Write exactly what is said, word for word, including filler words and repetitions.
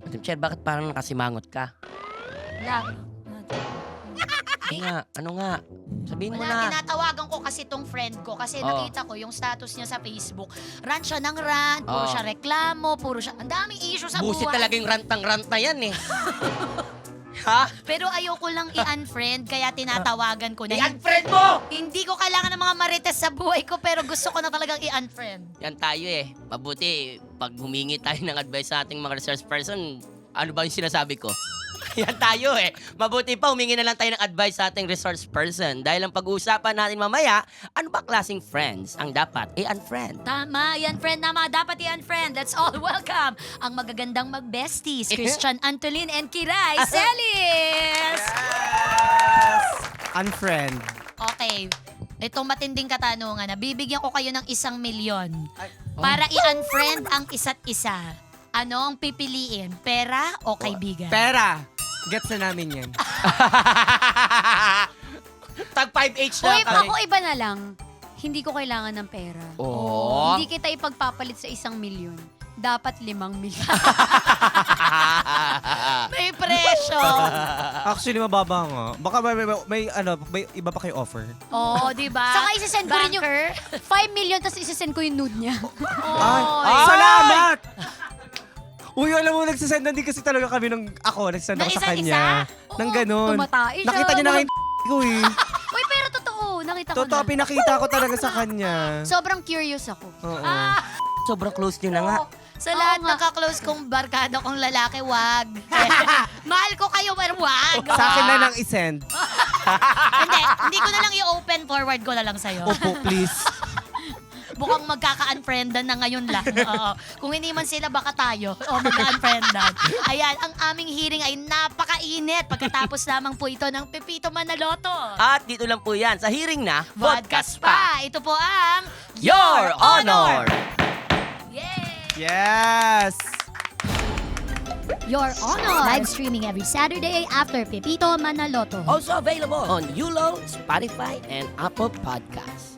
Madam Chair, bakit parang nakasimangot ka? Wala. Ano nga? Ano nga? Sabihin mo Wala, na. tinatawagan ko kasi tong friend ko kasi Oh. nakita ko yung status niya sa Facebook. Rant siya ng rant, puro Oh. siya reklamo, puro siya, ang daming issue sa Busit buhay. talagang rantang-rant na yan eh. Ha? Pero ayoko lang i-unfriend kaya tinatawagan ko na. I-unfriend mo! Hindi ko kailangan ng mga marites sa buhay ko pero gusto ko na talagang i-unfriend. Yan tayo eh. Mabuti, pag humingi tayo ng advice sa ating mga research person, ano ba yung sinasabi ko? Yan tayo eh. Mabuti pa, humingi na lang tayo ng advice sa ating resource person. Dahil ang pag-uusapan natin mamaya, ano ba klaseng friends ang dapat i-unfriend? Tama, i-unfriend na mga dapat i-unfriend. Let's all welcome ang magagandang mag-besties, Christian Antolin and Kiray Celis! Unfriend. Okay, itong matinding katanungan na bibigyan ko kayo ng isang milyon oh. para i-unfriend ang isa't isa. Ano ang pipiliin? Pera o kaibigan? Pera. Gets na namin yan. Tag five H O na iba kami. ko iba na lang, hindi ko kailangan ng pera. Oh. Hindi kita ipagpapalit sa isang milyon. Dapat limang milyon. May presyo! Actually, mababa nga. Baka may, may, may, ano, may iba pa kayo offer. Oo, di ba? Saka isasend ko rin yung Banker. five million tapos isasend ko yung nude niya. Ay, Oy. salamat! Uy, alam mo, nagsasendan din kasi talaga kami ng ako, nagsasend Ng ako sa isa't kanya. isa? Nang ganun. Tumatay siya. Nakita niya na kayo ko eh. Uy, pero totoo. Nakita ko Totoo, na. pinakita ko talaga sa kanya. Sobrang curious ako. Oo. Ah, Sobrang close nyo na nga. sa Oo lahat nga. ng kaklose kong barkada kong lalaki, wag. Mahal ko kayo, pero wag. Sa akin na lang isend. hindi, hindi ko na lang i-open forward ko na lang sa'yo. Opo, please. Mukhang magkaka-unfriendan na ngayon lang. Oo. Kung hindi man sila, baka tayo. O magka-unfriendan. Ayan, ang aming hearing ay napakainit. Pagkatapos lamang po ito ng Pepito Manaloto. At dito lang po yan, sa hearing na, Vodcast pa. Ito po ang Your Honor! Yay! Yes! Your Honor! Live streaming every Saturday after Pepito Manaloto. Also available on Yulo, Spotify, and Apple Podcasts.